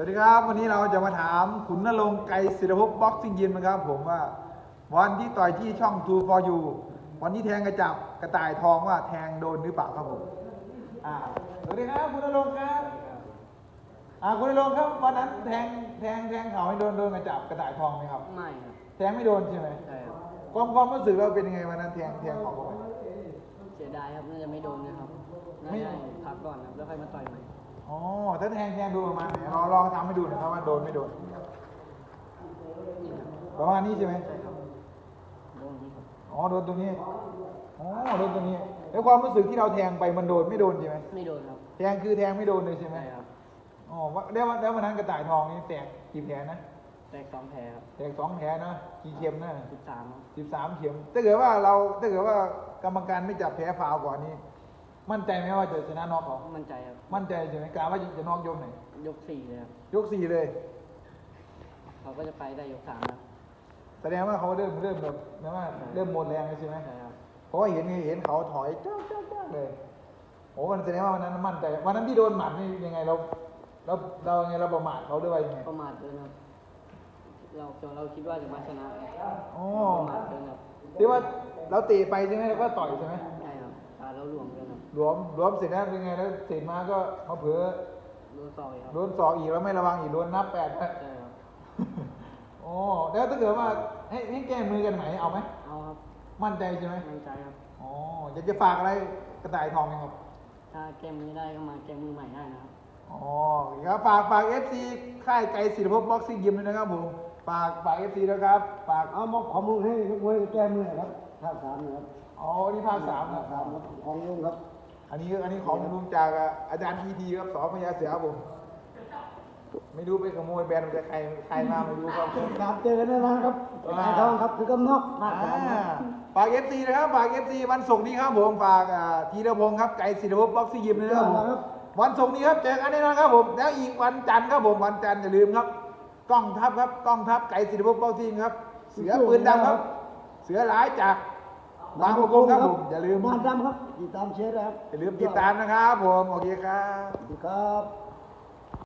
ดีครับวันนี้เราจะมาถามขุนนรงค์ไกรศิรภพบ็อกซิ่งยิมนะครับผมว่าวันที่ต่อยที่ช่อง True for You วันที่แทงกระจับกระต่ายทองว่าแทงโดนหรือเปล่าครับผมสวัสดีครับคุณนรงค์ครับคุณนรงค์ครับวันนั้นแทงเขาให้โดนกระจับกระต่ายทองไหมครับไม่ครับแทงไม่โดนใช่ไหมใช่ครับความรู้สึกเราเป็นยังไงวันนั้นแทงเขาเข้าไปเสียดายครับน่าจะไม่โดนนะครับน่าจะพักก่อนครับแล้วค่อยมาต่อยใหม่อ๋อถ้าแทงดูประมาณไหนลองทำให้ดูหน่อยครับว่าโดนไม่โดนประมาณนี้ใช่ไหมใช่ครับโดนนี้ครับโดนตรงนี้โดนตรงนี้แล้วความรู้สึกที่เราแทงไปมันโดนไม่โดนใช่ไหมไม่โดนครับแทงคือแทงไม่โดนเลยใช่ไหมใช่ครับแล้ววันนั้นกระต่ายทองนี่แตกกี่แผลนะแตก2 แผลครับแตก2 แผลนะกี่เข็มนะ 13ครับ 13 เข็มถ้าเกิดว่ากรรมการไม่จับแผลฟาวก่อนนี้มั่นใจไหมว่าจะชนะน็อกเขามั่นใจครับมั่นใจใช่ไหมกล่าวว่าจะน็อกยกไหนยก4เลยครับยก4เลยเขาก็จะไปได้ยก3ครับแสดงว่าเขาเริ่มแบบนะว่าเริ่มหมดแรงเลยใช่ไหมใช่ครับเพราะว่าเห็นเขาถอยจ้าเลยมันแสดงว่าวันนั้นมั่นใจวันนั้นที่โดนหมัดนี่ยังไงเราไงเราประมาทเขาด้วยว่ายังไงประมาทเกินครับเราคิดว่าจะมาชนะประมาทเกินครับที่ว่าเราเตะไปใช่ไหมแล้วก็ต่อยใช่ไหมใช่ครับเราหลวมเกินครับหลวมเสร็จแล้วเป็นไงแล้วเสร็จมาก็มาเผลอโดนศอกอีกครับโดนศอกอีกแล้วไม่ระวังอีกโดนนับ8 ใช่ครับแล้วถ้าเกิดว่าให้แก้มือกันไหนเอาไหมเอาครับมั่นใจใช่ไหมมั่นใจครับอยากจะฝากอะไรกระต่ายทองไหมครับถ้าแก้มือได้ก็มาแก้มือใหม่ได้นะครับครับฝาก FC ค่ายไกรศิรภพบ็อกซิ่งยิมด้วยนะครับผมฝาก FC นะครับฝากมอบข้อมูลให้มวยแก้มือครับภาค3นะครับนี่ภาค3นะครับของลุงครับอันนี้ของลุงจากอาจารย์ทีทีครับสพญาเสือครับผมไม่รู้ไปขโมยแบรนด์มาจากใครมาไม่รู้ครับครับเจอกันแน่นอนครับไอ้ทองครับคือกำนอกภาคฝาก FC นะครับฝาก FC วันศุกร์นี้ครับผมฝากธีรพงศ์ครับไกรศิรภพบ็อกซิ่งยิมนะครับผมวันศุกร์นี้ครับเจอกันแน่นอนครับผมแล้วอีกวันจันทร์ครับผมวันจันทร์อย่าลืมครับกล้องทัพครับกล้องทัพไกรศิรภพบ็อกซิ่งครับเสือปืนดำครับเสือร้ายจากบางประกงครับผมอย่าลืมบ้านดำครับติดตามเชียร์นะครับอย่าลืมติดตามนะครับผมโอเคครับครับ